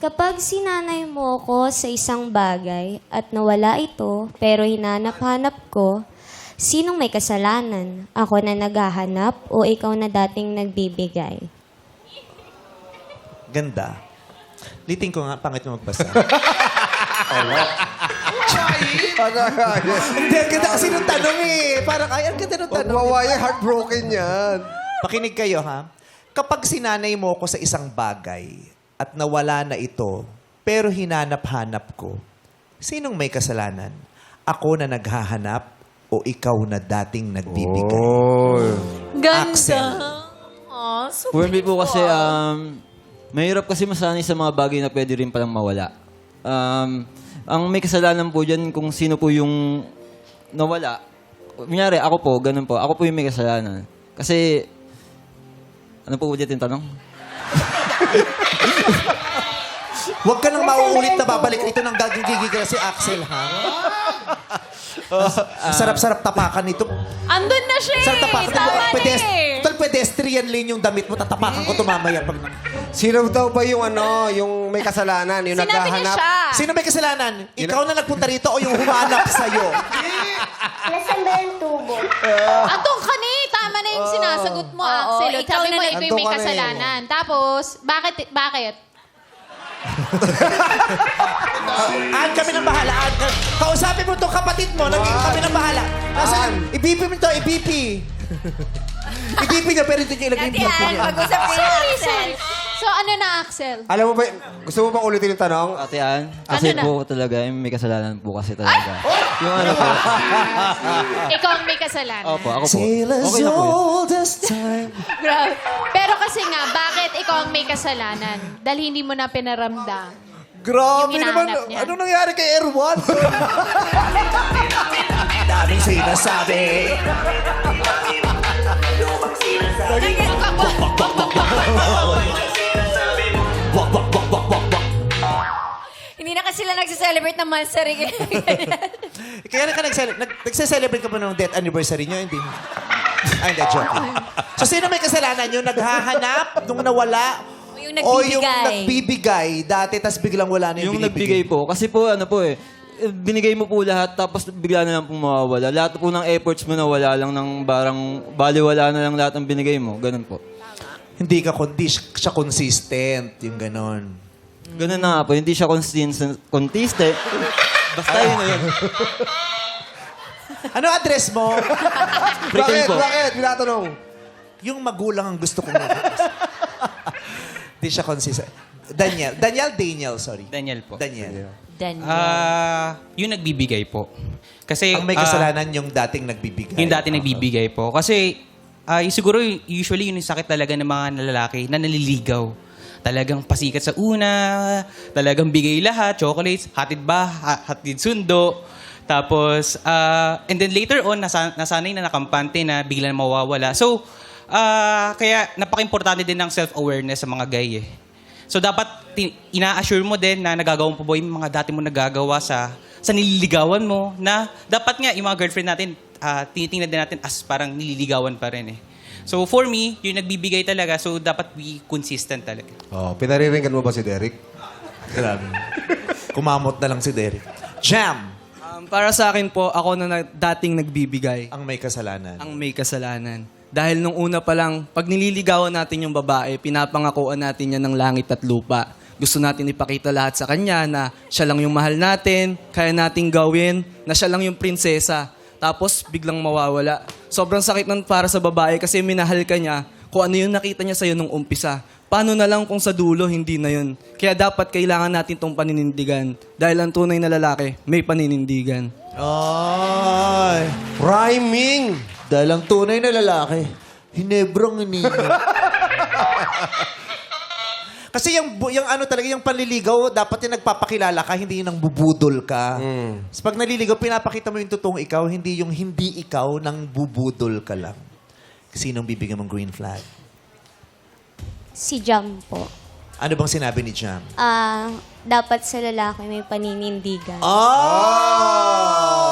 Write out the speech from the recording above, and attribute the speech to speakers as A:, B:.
A: Kapag sinanay mo ko sa isang bagay at nawala ito, pero hinanap-hanap ko, sinong may kasalanan? Ako na naghahanap o ikaw na dating nagbibigay?
B: Ganda. Liting ko nga, pangit mo magbasa. Hindi, ang ganda kasi nung tanong eh. Parang, ay, ang ganda nung
C: Pag
B: tanong.
C: mawaya, heartbroken yan.
B: Pakinig kayo, ha? Kapag sinanay mo ko sa isang bagay at nawala na ito, pero hinanap-hanap ko, sinong may kasalanan? Ako na naghahanap o ikaw na dating nagbibigay?
D: Ganda.
B: Axel.
D: Oh, so
E: For me po kasi, mahirap kasi masanay sa mga bagay na pwede rin palang mawala. Ang may kasalanan po dyan kung sino po yung nawala. Kunyari, ako po, ganun po. Ako po yung may kasalanan. Kasi, ano po ulit yung tanong?
B: Huwag ka nang mauulit na babalik. Ito nang gagigigil si Axel, ha? Sarap-sarap tapakan nito.
D: andun na siya
B: Sarap
D: eh.
B: tapakan.
D: Tama na eh.
B: Total pedestrian lane yung damit mo. Tatapakan ko ito mamaya. Pag...
C: Sino daw ba yung yung may kasalanan? Yung
D: Sinabi niya
C: naghahanap?
D: siya.
B: Sino may kasalanan? Ikaw na nagpunta rito o yung humanap sa'yo?
A: Nasaan ba yung tubo?
D: Andun ka ni. Tama na yung sinasagot mo, Axel.
F: ikaw
D: Sabi
F: na
D: mo,
F: nag-
D: ikaw yung may
C: Andun ka na eh.
D: kasalanan. Tapos, bakit?
B: Aan kami ng bahala. Aan ka. Kausapin mo itong kapatid mo. Naging kami ng bahala. Nasaan? I-BP mo ito. I-BP. I-BP niya pero ito niya ilagay yung BP niya.
F: Pag-usap niya,
D: Sorry. So, ano na, Axel?
C: Alam mo ba, gusto mo bang ulitin yung tanong?
E: Ate Ann, kasi
D: Ano na?
E: po talaga, may kasalanan po kasi talaga. Yung ano po.
D: Ikaw ang may kasalanan.
E: Opo, ako po.
B: Sail as
E: Okay na po yun.
B: old as time.
D: Grabe. Pero kasi nga, bakit ikaw ang may kasalanan? Dahil hindi mo na pinaramdam.
B: Grabe
D: Yung
B: naman.
D: hinahanap niya.
B: Anong nangyari kay Erwan? Daming sinasabi.
F: Hindi na kasi sila nagsiselebrate ng monster.
B: Kaya nagse-celebrate ka pa ng death anniversary nyo, hindi? Ay, hindi, joke. So, sino may kasalanan? Yung naghahanap, nung nawala,
F: Yung
B: o
F: nagbibigay.
B: yung nagbibigay dati, tas biglang wala na yung,
E: Yung nagbigay po. Kasi po, ano po binigay mo po lahat, tapos bigla na lang po mawawala. Lahat po ng efforts mo na wala lang ng baliwala na lang lahat ng binigay mo. Ganun po.
B: Hindi siya consistent, yung ganon.
E: Ganun na nga po. Hindi siya consistent. Basta yun na yun.
B: Ano address mo?
E: Pretend po.
C: Bakit? Tinatanong.
B: Yung magulang ang gusto kong Hindi siya consistent. Daniel, sorry.
G: Daniel po.
B: Daniel.
G: Yung nagbibigay po. Kasi
B: Ang may kasalanan yung dating nagbibigay.
G: yung dati nagbibigay po. Kasi siguro usually yun yung sakit talaga ng mga lalaki na naliligaw. Talagang pasikat sa una, talagang bigay lahat, chocolates, hatid sundo. Tapos, and then later on, nasanay na nakampante na bigla na mawawala. So, kaya napaka-importante din ng self-awareness sa mga guy eh. So, dapat ina-assure mo din na nagagawa mo pa ba yung mga dati mo nagagawa sa nililigawan mo na dapat nga yung mga girlfriend natin, tinitingnan din natin as parang nililigawan pa rin eh. So, for me, yung nagbibigay talaga, so dapat be consistent talaga.
C: Oh, pinariringgan mo ba si Derek?
B: Grabe. Kumamot na lang si Derek. Jam!
H: Para sa akin po, ako na dating nagbibigay
B: Ang may kasalanan.
H: ang may kasalanan. Dahil nung una pa lang, pag nililigawan natin yung babae, pinapangakuan natin yan ng langit at lupa. Gusto natin ipakita lahat sa kanya na siya lang yung mahal natin, kaya nating gawin, na siya lang yung prinsesa. Tapos biglang mawawala. Sobrang sakit nun para sa babae kasi minahal ka niya kung ano yung nakita niya sa'yo nung umpisa. Paano na lang kung sa dulo, hindi na yun. Kaya dapat kailangan natin tong paninindigan. Dahil ang tunay na lalaki, may paninindigan.
B: Ay!
C: Rhyming!
B: Dahil ang tunay na lalaki, hinebrang ninyo. Kasi yung ano talaga, yung panliligaw, dapat yung nagpapakilala ka, hindi yung nang bubudol ka. So pag naliligaw, pinapakita mo yung totoong ikaw, hindi yung hindi ikaw nang bubudol ka lang. Sinong bibigyan mong green flag?
A: Si Jam po.
B: Ano bang sinabi ni Jam?
A: Dapat sa lalaki may paninindigan.
B: Oh!